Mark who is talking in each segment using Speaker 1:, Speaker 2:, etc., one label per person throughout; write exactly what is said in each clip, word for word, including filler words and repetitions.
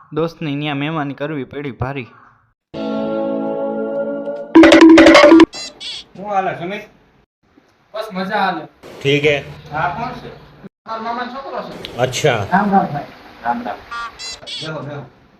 Speaker 1: दोस्त ने અહીંયા મહેમાની કરવી પડી ભારી।
Speaker 2: હું હાલે સમીર?
Speaker 3: बस मजा आ ले।
Speaker 4: ठीक है।
Speaker 2: હા કોણ છે?
Speaker 3: मार मामा छोकरो छे।
Speaker 4: अच्छा।
Speaker 3: राम राम भाई।
Speaker 2: રામ રામ। બેહો બેહો।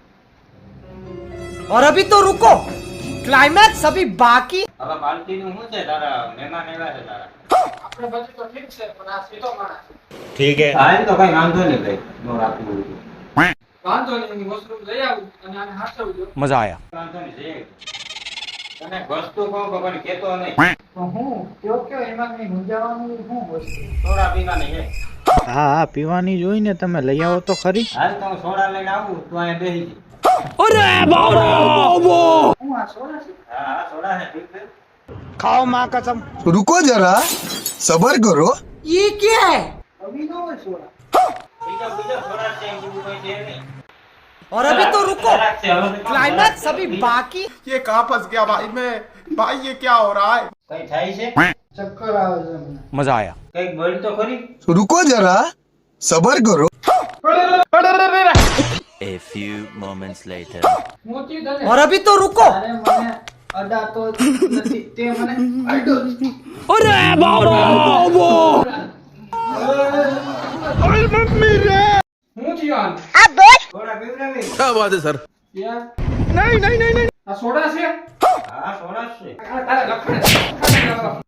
Speaker 5: और अभी तो रुको, क्लाइमैक्स अभी बाकी।
Speaker 2: હવે પાર્ટી નું શું છે તારા મહેમાન આવ્યા છે તારા?
Speaker 3: આપણે બધું તો ઠીક છે પણ આ સીધો માણસ છે।
Speaker 4: ठीक है।
Speaker 2: હા તો કઈ વાંધો નહીં ભાઈ નો રાખવું
Speaker 3: વાંધો નહીં હું વસ્તુ લઈ આવું અને આને હાચવજો।
Speaker 4: मजा आया।
Speaker 2: વાંધો નહીં છે તને વસ્તુ કહું તો પણ કેતો નહીં
Speaker 3: તો હું કયો કયો એમાં કઈ મૂંઝાવાનું શું વસ્તુ?
Speaker 2: સોડા પીવાની છે।
Speaker 1: હા હા પીવાની જોઈ ને તમે લઈ આવો તો ખરી।
Speaker 2: હાલ તો હું સોડા લઈને આવું તું અહીંયા બેસી જા।
Speaker 5: अरे बाबा
Speaker 3: હું આ સોડા છે।
Speaker 2: હા હા સોડા છે ઠીક છે।
Speaker 5: खाओ माँ कसम।
Speaker 6: रुको जरा सबर करो।
Speaker 5: ये क्या है?
Speaker 3: અભી નો હોય સોડા।
Speaker 2: બીજો બીજો સોડા છે એમ બીજું કોઈ છે નહીં।
Speaker 5: और अभी तो रुको,
Speaker 2: જરાક છે, હવે તો
Speaker 5: क्लाइमैक्स अभी बाकी।
Speaker 6: ये कहाँ फंस गया भाई मैं? भाई ये क्या हो रहा है?
Speaker 2: કઈ થાય છે?
Speaker 3: ચક્કર આવે છે મને।
Speaker 4: मजा आया।
Speaker 2: કઈક બોલ તો ખરી।
Speaker 6: रुको जरा सबर करो।
Speaker 7: A few moments later.
Speaker 3: મોતી તને
Speaker 5: और अभी तो रुको,
Speaker 3: અરે મને અડાતો નથી તે મને અડ્યો છે।
Speaker 5: अरे बाबा
Speaker 3: હું થયું
Speaker 2: સોડા પીવડાવી?
Speaker 6: क्या बात है सर?
Speaker 3: યાર
Speaker 5: नहीं नहीं नहीं नहीं।
Speaker 3: આ સોડા છે?
Speaker 2: હા સોડા જ છે।
Speaker 3: આ તારે લખણ